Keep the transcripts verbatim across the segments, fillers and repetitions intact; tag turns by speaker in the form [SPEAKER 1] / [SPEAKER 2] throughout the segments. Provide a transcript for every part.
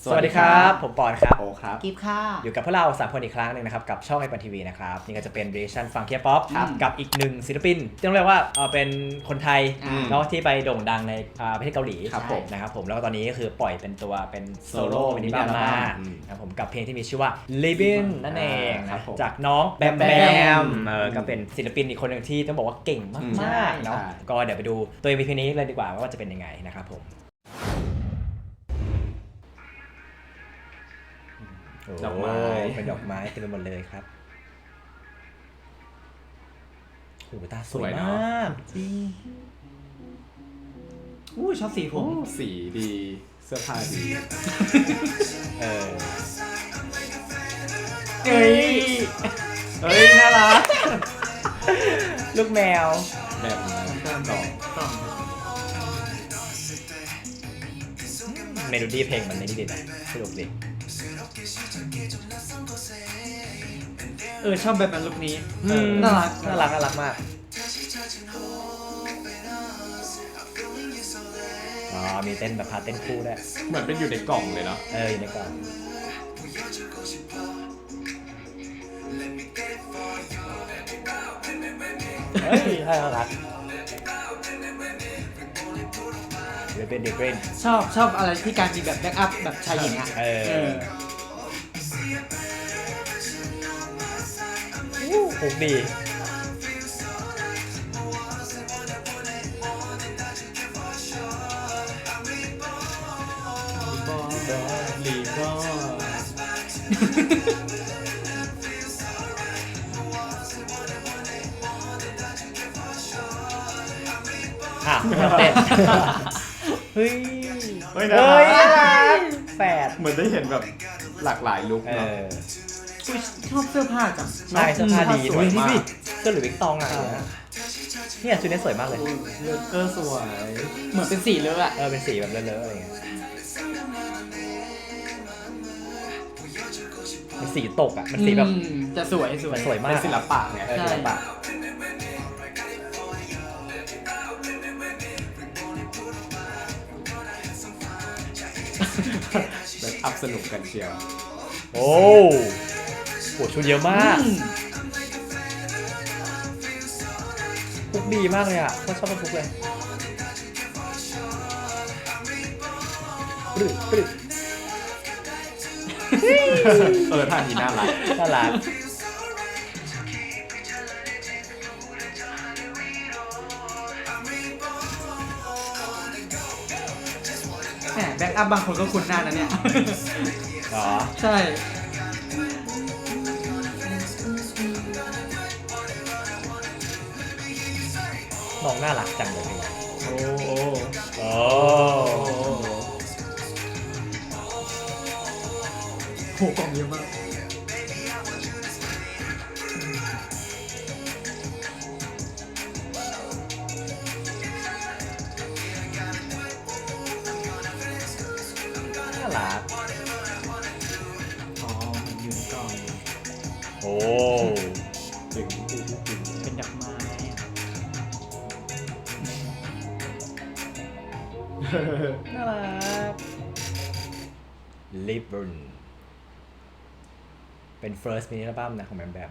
[SPEAKER 1] สวัสดีครับผมปอนครับ
[SPEAKER 2] โอครับ
[SPEAKER 3] กิฟค่ะ
[SPEAKER 1] อยู่กับพวกเราสามคนอีกครั้งหนึ่งนะครับกับช่องไอปอนทีวีนะครับนี่ก็จะเป็นเรชั่นฟังเคียป๊อปกับอีกหนึ่งศิลปินที่ต้องเรียกว่าเออเป็นคนไทย
[SPEAKER 2] อืม
[SPEAKER 1] เนาะที่ไปโด่งดังในอ่าประเทศเกาหลี
[SPEAKER 2] ครับผม
[SPEAKER 1] นะครับผมแล้วก็ตอนนี้ก็คือปล่อยเป็นตัวเป็นโซโล่
[SPEAKER 2] โซโล่
[SPEAKER 1] มินิบัม
[SPEAKER 2] มินิ
[SPEAKER 1] มา
[SPEAKER 2] อัลบั้มอืม
[SPEAKER 1] นะครับผมกับเพลงที่มีชื่อว่า Living นั่นเอง
[SPEAKER 2] อ่าครับผม
[SPEAKER 1] จากน้องแบมแบ
[SPEAKER 2] แบม
[SPEAKER 1] มเออก็เป็นศิลปินอีกคนหนึ่งที่ต้องบอกว่าเก่ง
[SPEAKER 2] อืม
[SPEAKER 1] มากๆเนาะ
[SPEAKER 2] ใช่
[SPEAKER 1] ก็เดี๋ยวไปดูตัว เอ็ม วี พี นี้เลยดีกว่าว่าจะเป็นยังไงนะครับผม
[SPEAKER 2] ดอกไม้
[SPEAKER 1] โเป็นดอกไม้เต็มไปหมดเลยครับโอ้โหตาสวยมากจริง
[SPEAKER 3] อู้ชอบสีผ
[SPEAKER 2] โอ้
[SPEAKER 3] ม
[SPEAKER 2] สีดี เสื้อผ้าดี
[SPEAKER 1] เออ
[SPEAKER 3] เอ้ย
[SPEAKER 2] เฮ้ย น่ารัก
[SPEAKER 1] ลูกแมว
[SPEAKER 2] แบบดอก
[SPEAKER 3] กล่อง
[SPEAKER 1] เมโลดี้เพลงมันนี่ดีนะสนุกดี
[SPEAKER 3] เออชอบแบบนั้นลุคนี้
[SPEAKER 1] เออ
[SPEAKER 3] น่ารัก
[SPEAKER 1] น่ารักน่ารักมากอ๋อมีเต้นแบบพาเต้นคู่ด้วย
[SPEAKER 2] เหมือนเป็นอยู่ในกล่องเลยเนาะ
[SPEAKER 1] เอออยู่ในกล่องเฮ้ยน่ารักเรเบนเดเบน
[SPEAKER 3] ชอบชอบอะไรที่การมีแบบแบ็กอัพแบบชายหญิงอ่ะ
[SPEAKER 1] เออ
[SPEAKER 3] เออ
[SPEAKER 1] ถูกดี
[SPEAKER 2] ลีก็
[SPEAKER 1] อ่ะเต้นเฮ้ย
[SPEAKER 2] เฮ้ย
[SPEAKER 1] เฮ้
[SPEAKER 2] น่าย รัก
[SPEAKER 1] แฝด
[SPEAKER 2] เหมือนได้เห็นแบบหลากหลายลุค
[SPEAKER 1] เอ
[SPEAKER 2] เนาะ
[SPEAKER 1] อ
[SPEAKER 3] อุ๊ยชอบเสื้อผ้าจัง
[SPEAKER 1] ใช่เสื้อผ้าดี
[SPEAKER 2] ส
[SPEAKER 1] ด้
[SPEAKER 2] ว
[SPEAKER 1] วย
[SPEAKER 2] ย
[SPEAKER 1] นี่
[SPEAKER 2] มาก
[SPEAKER 1] ดิเสื้อหรือวิกตองอะไรอย่างเงี้ยเนี่ยชุดนี้สวยมากเลย
[SPEAKER 2] เลือกเกอร์สวย
[SPEAKER 3] เหมือนเป็นสีเลอะอ่ะ
[SPEAKER 1] เออเป็นสีแบบเลอะๆอะไรเงี้ยมันสีตกอ่ะมันสีแบบ
[SPEAKER 3] อืมจะสวยสวย
[SPEAKER 1] มันสวยมา
[SPEAKER 2] เป็
[SPEAKER 1] ก
[SPEAKER 2] นศิลปะไง
[SPEAKER 1] เออศิลปะ
[SPEAKER 2] แบบอัพสนุกกันเชียว
[SPEAKER 1] โอ้โหชุดเยอะมาก
[SPEAKER 3] อืม
[SPEAKER 1] ฟุกดีมากเลยอ่ะก็ชอบฟุกเลยปรึ๊ดปรึ๊ด
[SPEAKER 2] เออท่านี้น่ารัก
[SPEAKER 1] น่ารัก
[SPEAKER 3] แหมแบ็กอัพบางคนก็คุ้นหน้านะเนี่ย
[SPEAKER 1] เหรอ
[SPEAKER 3] ใช่
[SPEAKER 1] น้องน่ารักจังเลย
[SPEAKER 2] โอ้โห
[SPEAKER 1] โอ้
[SPEAKER 3] โหกล่องเยอะมาก
[SPEAKER 1] น่ารัก
[SPEAKER 3] อ๋อมันอยู่ในกล่อง
[SPEAKER 1] โอ้
[SPEAKER 2] ถึงถึงถึง
[SPEAKER 3] เป็นดอกไม้อะ
[SPEAKER 1] น่ารัก ลิบ e ร์นเป็น first mini album นะของแบมแบม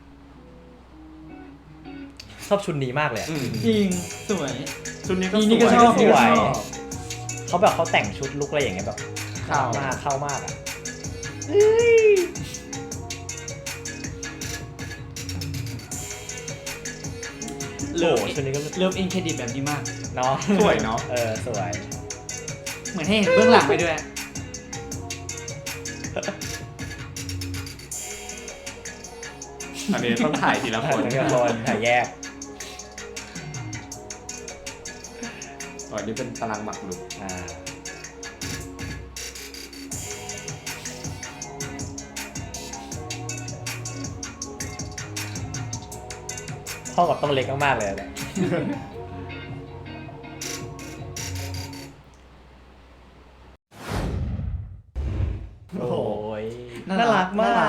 [SPEAKER 1] ชอบชุดนี้มากเลยอะ
[SPEAKER 2] อืม
[SPEAKER 3] จริงสวย
[SPEAKER 2] ชุดนี้ก็
[SPEAKER 3] นี่
[SPEAKER 2] ส
[SPEAKER 3] นี่
[SPEAKER 2] ว
[SPEAKER 3] ก็
[SPEAKER 2] ย
[SPEAKER 3] ชอบ
[SPEAKER 1] สวย
[SPEAKER 3] นี่ก็ชอบ
[SPEAKER 1] เขาแบบเขาแต่งชุดลุกอะไรอย่างเงี้ยแบบ
[SPEAKER 2] เข้า
[SPEAKER 1] มากเข้ามากอ่ะ
[SPEAKER 3] เลิฟ
[SPEAKER 1] โอ้ชุดนี้ก็
[SPEAKER 3] เลิฟอินเครดิตแบบนี้มาก
[SPEAKER 1] เนาะ
[SPEAKER 2] สวยเนาะ
[SPEAKER 1] เออสวย
[SPEAKER 3] เหมือนให้เห็นเบื้องหลังไปด้วย
[SPEAKER 2] อันนี้ต้องถ่ายทีละคน
[SPEAKER 1] ทั้งกระบอนถ่ายแยก
[SPEAKER 2] อ๋ออันนี้เป็นตารางหมักลุก
[SPEAKER 1] อ่าห้องกับต้องเล็กมากๆเลยแหละ โอ้ย
[SPEAKER 3] น่า
[SPEAKER 1] น่า
[SPEAKER 3] รั
[SPEAKER 1] รั
[SPEAKER 3] ก
[SPEAKER 1] กมาก
[SPEAKER 3] น่ารักมาก
[SPEAKER 1] จ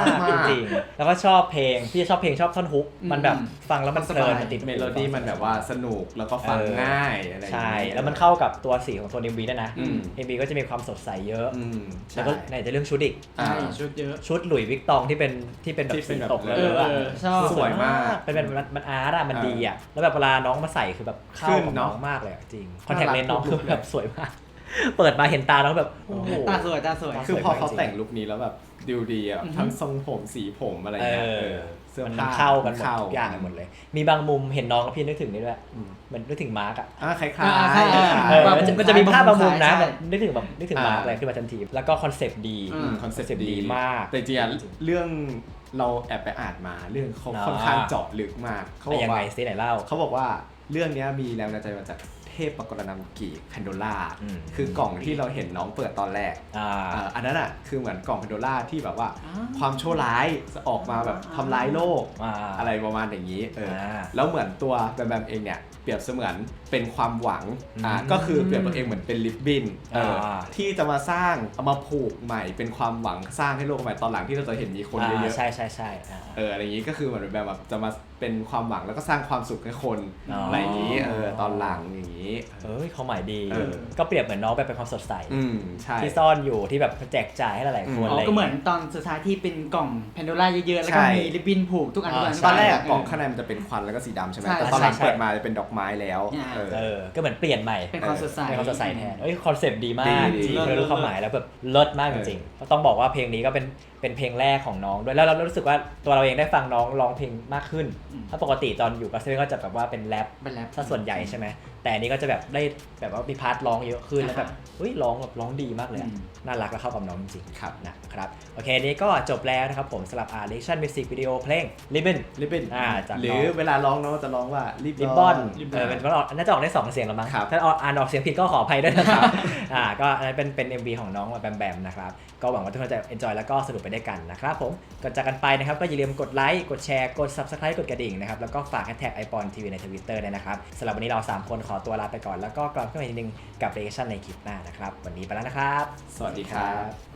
[SPEAKER 1] จริงแล้วก็ชอบเพลงพี่ชอบเพลงชอบท่อนฮุกมันแบบฟังแล้วมันเพลินมันติด
[SPEAKER 2] เมโลดี้มันแบบว่าสนุกแล้วก็ฟังง่ายอะไรอย่าง
[SPEAKER 1] ใช่
[SPEAKER 2] เงี้ย
[SPEAKER 1] แล้วมันเข้ากับตัวสีของตัว เอ็ม วี ด้วยนะ
[SPEAKER 2] อืม
[SPEAKER 1] เอ็ม วี ก็จะมีความสดใสเยอะ
[SPEAKER 2] อืม
[SPEAKER 1] แล้วก็ไหนจะเรื่องชุดอีก
[SPEAKER 2] อ่า
[SPEAKER 3] ใช่ชุดเยอะ
[SPEAKER 1] ชุดหลุยส์วิกตองที่เป็นที่เป็นแบบ
[SPEAKER 2] ที่เป็
[SPEAKER 1] สี
[SPEAKER 2] นแบบ
[SPEAKER 1] ตกเลย
[SPEAKER 3] เออ
[SPEAKER 1] อะ
[SPEAKER 3] เออชอบ
[SPEAKER 2] สวยมาก
[SPEAKER 1] เป็นแบบมันมันอาร์ตอะมัน
[SPEAKER 2] เออ
[SPEAKER 1] ดีอะแล้วแบบเวลาน้องมาใส่คือแบบเข้า
[SPEAKER 2] ขึ้น
[SPEAKER 1] กับ
[SPEAKER 2] เน
[SPEAKER 1] น้
[SPEAKER 2] อะ
[SPEAKER 1] องมากเลยอะจริงคอนแทคเลนส์น้อง
[SPEAKER 2] น่ารัก
[SPEAKER 1] คือ
[SPEAKER 2] ทุกลุค
[SPEAKER 1] แบบสวยมาก เปิดมาเห็นตาแล้วแบบโอ้โห
[SPEAKER 3] ตาสวยตาสวย
[SPEAKER 2] คือพอเขา
[SPEAKER 1] สวยมากจริง
[SPEAKER 2] แต่งลุคนี้แล้วแบบดูดีอ่ะ
[SPEAKER 3] อือฮึ
[SPEAKER 2] ทั้งทรงผมสีผมอะไร
[SPEAKER 1] เอ
[SPEAKER 2] เงี้ย
[SPEAKER 1] อ
[SPEAKER 2] เออเสื้อ
[SPEAKER 1] มัน
[SPEAKER 2] ผ้า
[SPEAKER 1] เข้ากันหมด
[SPEAKER 2] เข้
[SPEAKER 1] ทุกอย่างหมดเลย มีบางมุมเห็นน้องกับพี่นึกถึงนี่ด้วย
[SPEAKER 2] อืม
[SPEAKER 1] เหมือนนึกถึงมาร์กอะ
[SPEAKER 2] อ่าคล้ายๆ
[SPEAKER 3] อ่าใช่
[SPEAKER 2] คล้ายๆ
[SPEAKER 1] เออ
[SPEAKER 3] แบบ
[SPEAKER 1] มันจะ
[SPEAKER 3] มุม
[SPEAKER 1] มันจะมีภาพบางมุมนะ
[SPEAKER 3] ใช่
[SPEAKER 1] แบบนึกถึงแบบนึกถึง
[SPEAKER 2] อ่า
[SPEAKER 1] มาร์กอะไรขึ้นมาทันทีแล้วก็คอนเซปต์ดี
[SPEAKER 3] อื
[SPEAKER 2] อืมคอนเซ็ป
[SPEAKER 1] คอนเซ็ปต์
[SPEAKER 2] ต์
[SPEAKER 1] ดี
[SPEAKER 2] ดี
[SPEAKER 1] มาก
[SPEAKER 2] แต่จริงๆอะเรื่องเราแอบไปอ่านมาเรื่องเขา
[SPEAKER 1] อ่า
[SPEAKER 2] ค่อนข้างเจาะลึกมากเขาบอก
[SPEAKER 1] ยัง
[SPEAKER 2] ว่า
[SPEAKER 1] ไงซิไหนเล่า
[SPEAKER 2] เขาบอกว่าเรื่องเนี้ยมีแรงบันดาลใจมาจากเทพปกรณำกีแพนโดล่า
[SPEAKER 1] อืม
[SPEAKER 2] คือกล่องที่เราเห็นน้องเปิดตอนแรก
[SPEAKER 1] อ่า
[SPEAKER 2] อ่าอันนั้นอ่ะคือเหมือนกล่องแพนโดล่าที่แบบว่า
[SPEAKER 3] อ่า
[SPEAKER 2] ความชั่วร้ายจะออกมาแบบทำร้ายโลก
[SPEAKER 1] อ่า
[SPEAKER 2] อะไรประมาณอย่างนี้เอออา แล้วเหมือนตัวแบมแบมเองเนี่ยเปรียบเสมือนเป็นความหวังอ่า
[SPEAKER 1] อืม
[SPEAKER 2] ก็คือเปรียบตัวเองเหมือนเป็นลิบบินเอออา ที่จะมาสร้างเอามาผูกใหม่เป็นความหวังสร้างให้โลกใหม่ตอนหลังที่เราจะเห็นมีคนเยอะ
[SPEAKER 1] ใช่ใช่ใช่อ่า
[SPEAKER 2] ๆเอออะไรอย่างนี้ก็คือเหมือนแบบแบบจะมาเป็นความหวังแล้วก็สร้างความสุขให้คน
[SPEAKER 1] อ๋ออ
[SPEAKER 2] อะไรอย่างนี้เออตอนหลังอย่างนี้
[SPEAKER 1] เอ้ยเขาหมายดี
[SPEAKER 2] เออ
[SPEAKER 1] ก็เปรียบเหมือนน้องไปเป็นความสดใส
[SPEAKER 2] อืมใช่
[SPEAKER 1] ที่ซ่อนอยู่ที่แบบแจกจ่ายให้หลายๆคน
[SPEAKER 3] อ๋อ
[SPEAKER 1] อะไร
[SPEAKER 3] ก็เหมือนตอนสุดท้ายที่เป็นกล่องแพนโดล่าเยอะๆ แล้วก็
[SPEAKER 2] ใช่
[SPEAKER 3] มีริบบิ้นผูกทุกอันทุกอัน
[SPEAKER 1] อ่า
[SPEAKER 2] ตอนแรกอะ
[SPEAKER 3] เ
[SPEAKER 2] กล่องข้างในมันจะเป็นควันแล้วก็สีดำใช่ไหม
[SPEAKER 3] ใช่
[SPEAKER 2] แต่ตอนหลัง
[SPEAKER 1] ใช่
[SPEAKER 2] เปิดมาจะเป็นดอกไม้แล้ว
[SPEAKER 3] อ่า
[SPEAKER 2] เออ
[SPEAKER 1] เออก็เหมือนเปลี่ยนใหม่
[SPEAKER 3] เป็นความสดใส
[SPEAKER 1] เป็นความสดใสแทนเอ้ยคอนเซปต์ดีมาก
[SPEAKER 2] ดี
[SPEAKER 1] จริง
[SPEAKER 3] เลิศ
[SPEAKER 1] ๆเลยรู้ความหมายแล้วแบบเลิศมากจริงๆก็ต้องบอกว่าเพลงนี้ก็เป็นเป็นเพลงแรกของน้องด้วยแล้วเรารู้สึกว่าตัวเราเองได้ฟังน้องร้องเพลงมากขึ้น
[SPEAKER 3] อืม
[SPEAKER 1] ถ้าปกติตอนอยู่กับเซเว่นก็จะแบบว่าเป็นแรป
[SPEAKER 3] เป็นแรป
[SPEAKER 1] ถ้าส่วนใหญ่ใช่ไหมแต่อันนี้ก็จะแบบได้แบบว่ามีพาร์ทร้องเยอะขึ้นแล้วแบบเฮ้ยร้องแบบร้องดีมากเลยอะ
[SPEAKER 3] อืม
[SPEAKER 1] น่ารักและเข้ากับน้องจริง
[SPEAKER 2] ครับ
[SPEAKER 1] ๆนะครับโอเคนี้ก็จบแล้วนะครับผมสำหรับ R Reaction Music Video เพลง Ribbon
[SPEAKER 2] ริบบิ้น
[SPEAKER 1] อ่าจาก
[SPEAKER 2] หรื
[SPEAKER 1] น้
[SPEAKER 2] อ
[SPEAKER 1] อง
[SPEAKER 2] เวลาร้องน้องจะร้องว่าริบ
[SPEAKER 1] ริบบอน
[SPEAKER 2] ริบ
[SPEAKER 1] เออเป็นมันออกน่าจะออกได้สองเสียงแล้วมั้ง
[SPEAKER 2] ครับ
[SPEAKER 1] ถ้าอ่านออกเสียงผิดก็ขออภัยด้วยนะครับ อ่าก็อันนั้นเป็นเป็น เอ็ม วี ของน้องแบมแบมนะครับก็หวังว่าทุกคนจะ enjoy แล้วก็สนุกไปด้วยกันนะครับผมก่อนจากกันไปนะครับก็อย่าลืมกดไลค์กดแชร์กด Subscribe กดกระดิ่งนะครับแล้วก็ฝากแฮชแท็กไอปอนทีวีใน Twitter ด้วยนะครับสำหรับวันนี้เราสามคนขอตัวลาไปก่อนแล้วก็กลับขึ้นมาอีกทีนึงกับ Reaction ในคลิปหน้านะครับวันนี้ไปแล้วนะครับ
[SPEAKER 2] สวัสดีครับ